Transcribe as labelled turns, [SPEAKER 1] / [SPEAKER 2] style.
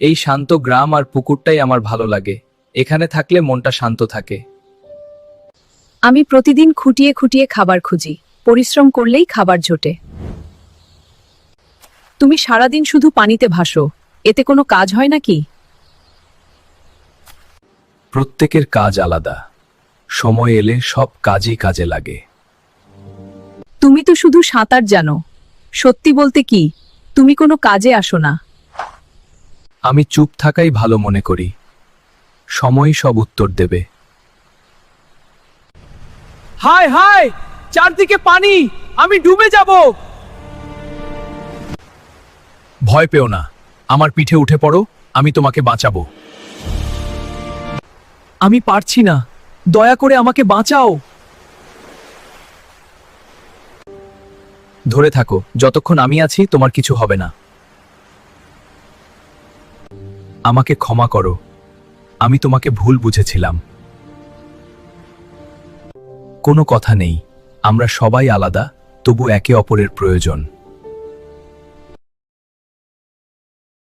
[SPEAKER 1] এই শান্ত গ্রাম আর পুকুরটাই আমার ভালো লাগে। এখানে থাকলে মনটা শান্ত থাকে।
[SPEAKER 2] আমি প্রতিদিন খুঁটিয়ে খুঁটিয়ে খাবার খুঁজি, পরিশ্রম করলেই খাবার জোটে। তুমি সারাদিন শুধু পানিতে ভাসো, এতে কোনো কাজ হয় নাকি?
[SPEAKER 1] প্রত্যেকের কাজ আলাদা, সময় এলে সব কাজই কাজে লাগে।
[SPEAKER 2] তুমি তো শুধু সাঁতার জানো, সত্যি বলতে কি তুমি কোনো কাজে আসো না।
[SPEAKER 1] আমি চুপ থাকাই ভালো মনে করি, সময় সব উত্তর দেবে। হায় হায়, চারদিকে পানি, আমি ডুবে যাব। ভয় পেও না, আমার পিঠে উঠে পড়ো, আমি তোমাকে বাঁচাবো। আমি পারছি না, দয়া করে আমাকে বাঁচাও। ধরে থাকো, যতক্ষণ আমি আছি তোমার কিছু হবে না। আমাকে ক্ষমা করো, আমি তোমাকে ভুল বুঝেছিলাম। কোনো কথা নেই, আমরা সবাই আলাদা, তবু একে অপরের প্রয়োজন।